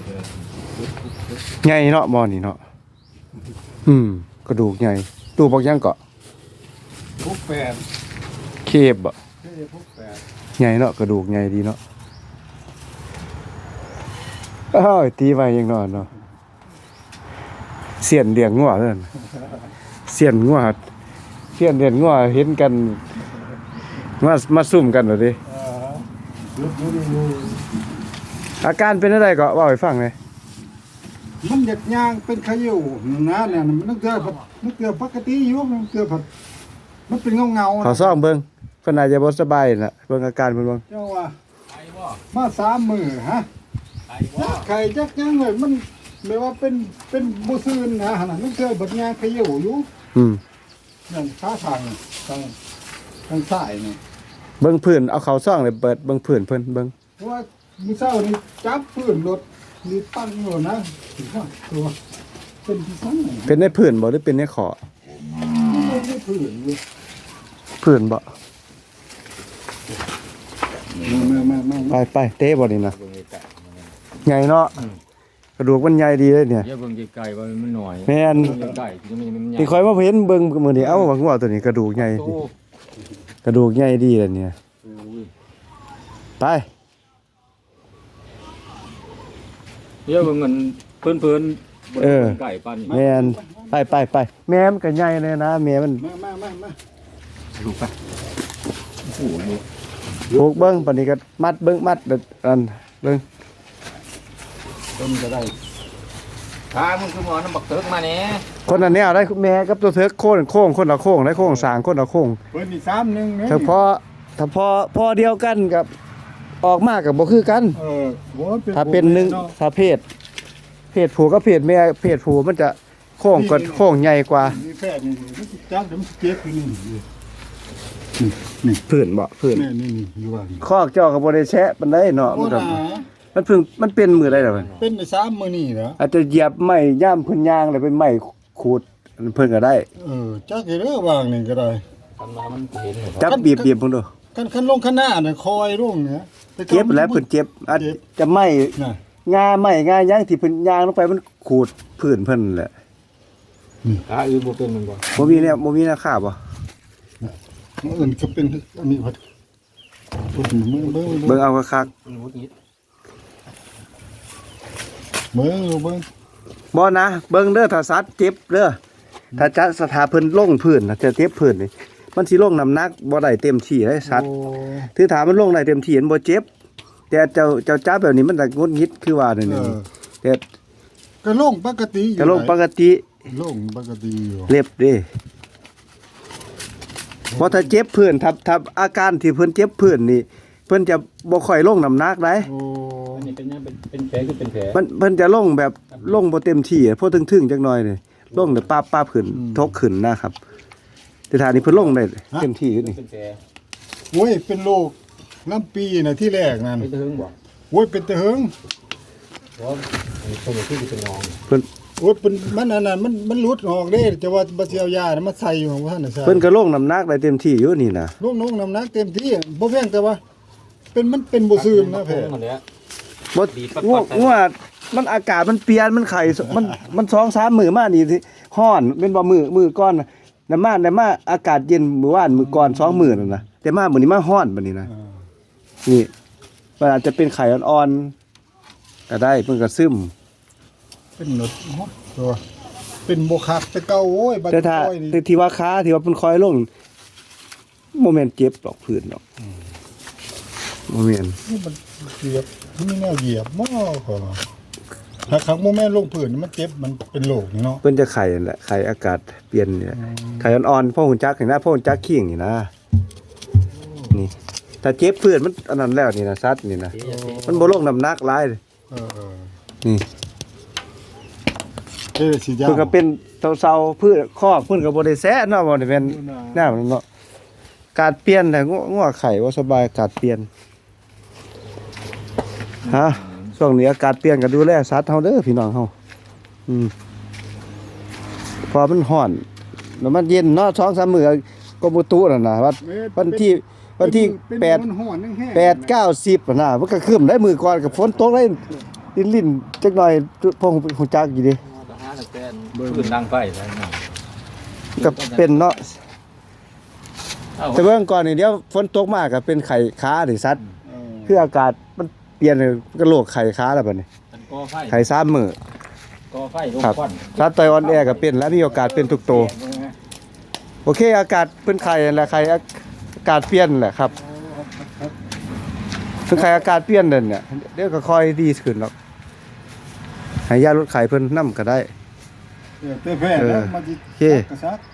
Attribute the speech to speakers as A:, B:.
A: ใหญ่เนาะบ่อนี่เนาะกระดูกใหญ่ตู้บอกยังเกาะ
B: พวกแปด
A: เคบบ่
B: พวกแปด
A: ใหญ่เนาะกระดูกใหญ่ดีเนาะอ้าวตีไว้ยังนอนเนาะเสียนเลี้ยงงัวเด้อเสียนงัวเสียนเลี้ยงงัวเห็นกันมาซุ่มกันเหรอดิอาการเป็นอะไรก็เว้าให้ฟังหน่อย
B: มันหยัดยางเป็นขยิ่วนะเนี่ยมันนึกเกลือปกติอยู่มันเกลือผัดมันเป็นเงา
A: ขอซ่อมเบิ่งเพิ่นอาจจะบ่สบายน่ะเบิ่งอาการเพิ่นเบิ่ง
B: เจ้าว่ามา3 มื้อฮะไข่จักยังเลยมันไม่ว่าเป็นบ่ซื่นนะหั่นน่ะมันเกลือบัดยางขยิ่วอยู่นั่นขาทางซ้ายนี่
A: เบิ่งพื้นเอาเขาซ่องเลยเปิดเบิ่งพื้นเพิ่นเบิ่ง
B: เพราะว่ามื้อเช้านี่จับพื้นรถนี่ตั้งอยู่นะตัวเป็นที่ซั่น
A: เป็นในพื้นบ่หรือเป็นในขอ
B: ไม่พื้นอยู่
A: พื้นบ่ไปเตะบ่นี่นะใหญ่เนาะกระดูกมันใหญ่ดีเลยเนี่ย
C: อย่าเบิ่งไกลๆว่ามันน้อย
A: แม่น
C: ไกลๆ
A: ที่ข่อยมาเห็นเบิ่งมื้อนี้เอ้าว่างัวตัวนี้กระดูกใหญ่กระดูกใหญ่ดีเลยเนี่ยไป
C: อย่าเบิ่งมันเพิ่นๆไก่ปานนี้
A: แม่นไปแม่มันก็ใหญ่เลยนะแม่มัน
B: มา
C: ลูกไปโอ้โห
A: ผูกเบิ่งปานนี้ก็มัดเบิ่งมัดอันเบิ่ง
C: ต้นก็ได้พามึงคือหมอน้ำบักเติกมาแหน่
A: คนอันนี้เอาได้แม่กับตัวเถิกโค้งคนละโค้งได้โค้งสร้างคนละโค้ง
B: เพิ่นนี่3-1นี่
A: ถ้าพอเดียวกันกับออกมาก็บ่คือกันถ้าเป็น1ถ้าเพศผู้กับเพศแม่เพศผู้มันจะโค้งกว่าโค้งใหญ่กว่า
B: นี่แพทย์นี่มันจับเดี๋ยวมันเจ็บอยู่นี่
A: พื้นบ่พื้น
B: นี่อยู่ว่า
A: คอกเจ้าก็บ่ได้แชะปานใดเนาะมันเป็นมื้อใดล่ะมัน
B: เป็นได้3 มื้อนี่เหรอ
A: อาจจะเหยียบไม้ย่ามเพิ่นย่างแล้วเป็นไม้ขูดเพิ่นก็ได้
B: จักเด้อวางนี่ก็ได้
C: ทำมามันเห็น
A: จับบีบเพิ่นดู
B: คันลงข้างหน้าน่ะคอยลงเนี่ย
A: เจ็บแล้วเพิ่นเจ็บอาจจะไม้งาไม้งาย่างที่เพิ่นย่างลงไปมันขูดพื้นเพิ่นแหละ
C: อื่นบ่เป็นมันบ่
A: บ่มีราคาบ่
B: อื่นก็เป็นอันนี้พัด
A: เบิ่งเอาคัก
B: เบิ่ง
A: บ่นะเบิ่งเด้อถ้าสัตว์เจ็บเด้อถ้าจะสถาเพิ่นลงพื้นน่ะจะเจ็บพื้นนี่มันสิลงน้ำหนักบ่ได้เต็มที่ได้สัตว์ถือถามมันลงได้เต็มที่มันบ่เจ็บแต่เจ้าจับแบบนี้มันจะงุดหงิดคือว่านี่แต่
B: ก็ลงปกติอยู่
A: ก็ลงปกติ
B: อยู่
A: เล็บเด้เพราะถ้าเจ็บพื้นถ้าอาการที่เพิ่นเจ็บพื้นนี่เพิ่นจะบ่ค่อยลงน้ำหนักได้
C: อันนี้เป็นแผลคือเป็นแผล
A: เพิ่นจะลงแบบลงบ่เต็มที่พอถึงๆจักหน่อยนี่ลงแต่ป้าขึ้นทกขึ้นนะครับแต่ถ้านี่เพิ่นลงได้เต็มที่นี่
B: โอ้ยเป็นโรคน้ำปีน่ะที่แรกนั่น
C: เป็นตะหึงบ่
B: โอ้ยเป็นตะหึง
C: บ่คนที่เป็นน้อง
A: เพิ่น
B: โอ้ยเป็นมันอันนั้นมันหลุดออกเด้แต่ว่าบ่สิเอายาน่ะมาใส่อยู่ของท่านน่ะใช่
A: เพิ่นก็ลงน้ำหนักได้เต็มที่อยู่นี่น่ะ
B: ลงน้ำหนักเต็มที่บ่เพียงแต่ว่ามันเป็นบ่ซื่นนะแพ้
A: บ่งัวมันอากาศมันเปลี่ยนมันไข้มัน 2-3 มื้อมานี่สิร้อนเป็นบ่มื้อก่อนน่ะมาอากาศเย็นมื้อวานมื้อก่อน2มื้อนั่นน่ะแต่มามื้อนี้มาร้อนบัดนี้นะนี่มันอาจจะเป็นไข้อ่อนๆก็ได้เพิ่นก็ซึม
B: เป็นหนดตัวเป็นบ่คักแต่เก่าโอ้ยบัด
A: ค่อยนี่แต่ที่ว่าขาที่ว่าเพิ่นคอยลงบ่แม่นเจ็บดอกพื้นดอกบ่แม่น
B: มันเหยียบมีแนวเหยียบบ่ขอถ้าครั้งบ่แม่นลงพื้นมันเจ็บมันเป็นโรคนี่เนาะ
A: เพิ่นจะไข้นั่นแหละไข้อากาศเปลี่ยนเนี่ยไข้อ่อนๆพ่อหุ่นจักนี่นะพ่อหุ่นจักขิงนี่นะนี่ถ้าเจ็บพื้นมันอันนั้นแล้วนี่นะซัดนี่นะมันบ่ลงน้ำหนักหลายนี่เพิ่นก็เป็นเซาๆพืชคอกเพิ่นก็บ่ได้แซะเนาะบ่ได้เป็นแนวนั้นเนาะการเปลี่ยนแต่งัวไข่บ่สบายการเปลี่ยนฮะช่วงนี้อากาศเปลี่ยนก็ดูแลสัตว์เฮาเด้อพี่น้องเฮาพอมันร้อนแล้วมันเย็นเนาะ 2-3 มื้อกรมอุตุนั่นน่ะวันที่8 9 10น่ะมันก็ครึ้มได้มื้อก่อนก็ฝนตกได้ลิ้นจักหน่อยพวกฮู้จักอยู่ดิ
C: ทหารแต่ปืนดังไฟแล้วนะ
A: ก็เป็นเนาะแต่เบื้องก่อนนี่เดี๋ยวฝนตกมากก็เป็นไข้ค้าดิสัตว์คืออากาศมันเปลี่ยนก็โรคไข้ค้าแล้วบัดนี้
C: มันก่อไฟ
A: ไข้3มื้อ
C: ก่อไฟลง
A: ครับ
C: ควัน
A: สัตว์ไตออนแอร์ก็เป็นแล้วมีโอกาสเป็นทุกโตวโอเคอากาศเพิ่นไข้นั่นแหละไข้อากาศเปลี่ยนแหละครับเพิ่นไข้อากาศเปลี่ยนนั่นเนี่ยเดี๋ยวก็ค่อยดีขึ้นหรอกให้ยาลดไข้เพิ่นนำก็ได้
B: เตะแพ้แล้วมันสิ
A: โอเค
B: กระซัก